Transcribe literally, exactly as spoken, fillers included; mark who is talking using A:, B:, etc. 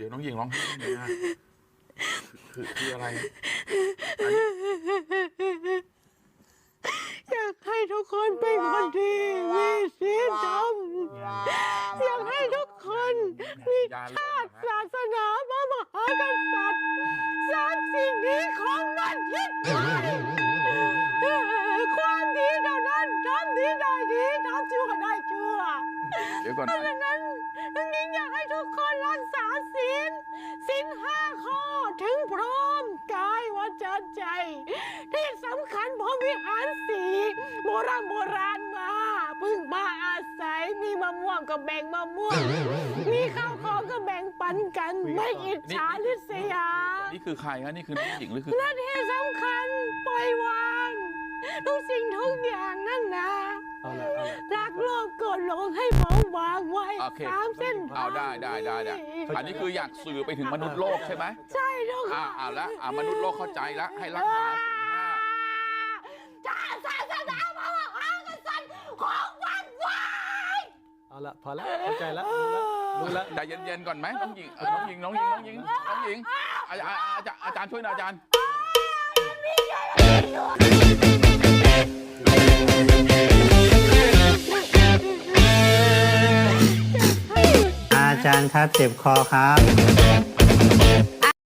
A: ดี๋ยวน้องหญิงร้องไห้ทำไมอะคือคืออะไร
B: อยากให้ทุกคนเป็นคนดีมีศีลธรรมอยากให้ทุกคนมีชาติศาสนาพระมหากษัตริย์สามสิ่งนี้ของมันยึดไว้ความดีเท่านั้นทำดีได้ดีทำชั่วได้ชั่ว
A: เดี๋ยวก่อน
B: เพราะฉะนั้นน้องหญิงอยากให้ทุกคนรักษาศีลศีลห้าข้อถึงพร้อมกายวาจาใจ ที่สำคัญพรหมวิหารสีโบราณโบราณมาเพึ่งมาอาศัยมีมะม่วงก็แบ่งมะม่วง มีข้าวของก็แบ่งปันกัน ไม่อิจฉาริษยา
A: นี่คือใครฮะนี่คือน้องหญิงหรือคือ
B: และที่สำคัญปล่อยวางทุกสิ่งทุกอย่างนั่นนะ
C: เอาละเอาละ
B: รักโลภโกรธหลงให้เบาบางไว้
A: โอเค
B: สามเส้น
A: เอาได้ได้ได้ได้อันนี้คืออยากสื่อไปถึงมนุษย์โลกใช่ไหม
B: ใช่ทุกค
A: อ่าน อ่าแล้วอ่ามนุษย์โลกเข้าใจแล้วให้รักษาศีลห้า
B: ชาติศาสนาพระมหากษัตริย์ของวันไว้
C: เอาละพอแล้วเข้าใจแล้วรู้แล้วรู้แล้ว
A: ใจเย็นๆก่อนไหมน้องหญิงเออน้องหญิงน้องหญิงน้องหญิงน้องหญิงอาจารย์อาจารย์อาจารย์ช่วยหน่อยอาจารย์
D: อาจารย์ครับเจ็บคอครับ